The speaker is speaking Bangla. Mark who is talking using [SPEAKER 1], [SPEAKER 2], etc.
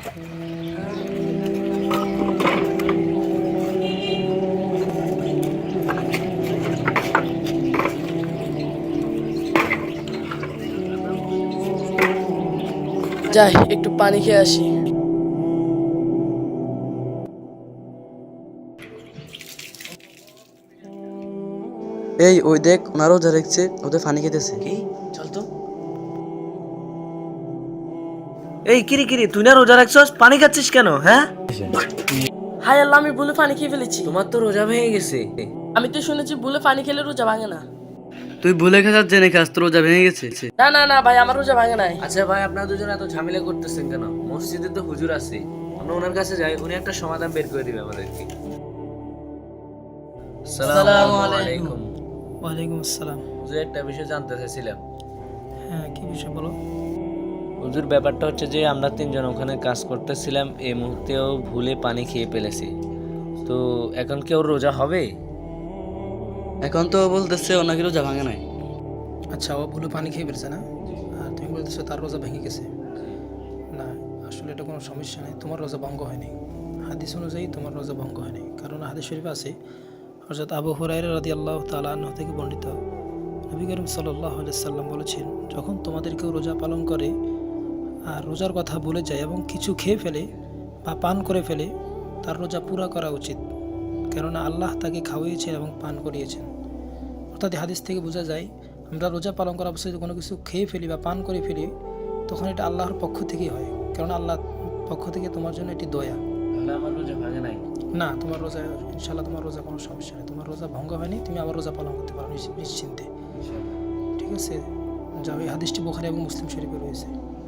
[SPEAKER 1] যাই একটু পানি খেয়ে আসি।
[SPEAKER 2] এই ওই দেখ, ওনারাও যা দেখছে, ওদের পানি খেতেছে।
[SPEAKER 3] কি? চল তো। এই কিরি কিরি, তুই না রোজা রাখছস, পানি খাচ্ছিস কেন? হ্যাঁ,
[SPEAKER 1] হাই আল্লাহ, আমি ভুলে পানি খেয়ে ফেলেছি।
[SPEAKER 3] তোমার তো রোজা ভেঙে গেছে।
[SPEAKER 1] আমি তো শুনেছি ভুলে পানি খেলে রোজা ভাঙে না।
[SPEAKER 2] তুই ভুলে খাস জেনে খাস, তোর রোজা ভেঙে গেছে।
[SPEAKER 1] না না না ভাই, আমার রোজা ভাঙে নাই।
[SPEAKER 3] আচ্ছা ভাই, আপনারা দুজন এত ঝামেলা করতেছেন কেন? মসজিদে তো হুজুর আছে, আমরা ওনার কাছে যাই, উনি একটা সমাধান বের করে দিবে আমাদেরকে। আসসালামু আলাইকুম।
[SPEAKER 4] ওয়ালাইকুম আসসালাম।
[SPEAKER 3] হুজুর, একটা বিষয় জানতে চাইছিলাম।
[SPEAKER 4] হ্যাঁ, কি বিষয় বলো?
[SPEAKER 3] হুজুর, ব্যাপারটা হচ্ছে যে আমরা তিনজন ওখানে কাজ করতেছিলাম, এই মুহূর্তেও ভুলে পানি খেয়ে ফেলেছি, তো এখন কি ওর রোজা হবে?
[SPEAKER 2] এখন তো বলতেছে ও নাকি রোজা ভাঙে নাই।
[SPEAKER 4] আচ্ছা, ও ভুলে পানি খেয়ে ফেলছে না? আর তুমি বলতেছো তার রোজা ভেঙে গেছে। না, আসলে এটা কোনো সমস্যা নেই, তোমার রোজা ভঙ্গ হয়নি। হাদিস অনুযায়ী তোমার রোজা ভঙ্গ হয়নি, কারণ হাদিস শরীফে আছে, হযরত আবু হুরায়রা রাদিয়াল্লাহু তাআলা আনহু থেকে বর্ণিত, নবী করিম সাল্লাল্লাহু আলাইহি সাল্লাম বলেছেন, যখন তোমাদের কেউ রোজা পালন করে আর রোজার কথা ভুলে যায় এবং কিছু খেয়ে ফেলে বা পান করে ফেলে, তার রোজা পুরা করা উচিত, কেননা আল্লাহ তাকে খাওয়িয়েছেন এবং পান করিয়েছেন। অর্থাৎ হাদিস থেকে বোঝা যায়, আমরা রোজা পালন করা অবস্থায় কোনো কিছু খেয়ে ফেলি বা পান করে ফেলি, তখন এটা আল্লাহর পক্ষ থেকেই হয়, কারণ আল্লাহর পক্ষ থেকে তোমার জন্য এটি দয়া।
[SPEAKER 3] তাহলে আমার রোজা ভাঙে নাই?
[SPEAKER 4] না, তোমার রোজা ইনশাল্লাহ, তোমার রোজা কোনো সমস্যা নেই, তোমার রোজা ভঙ্গ হয়নি, তুমি আবার রোজা পালন করতে পারো নিশ্চিন্তে। ঠিক আছে, যাও, এই হাদিসটি বুখারী এবং মুসলিম শরীফে রয়েছে।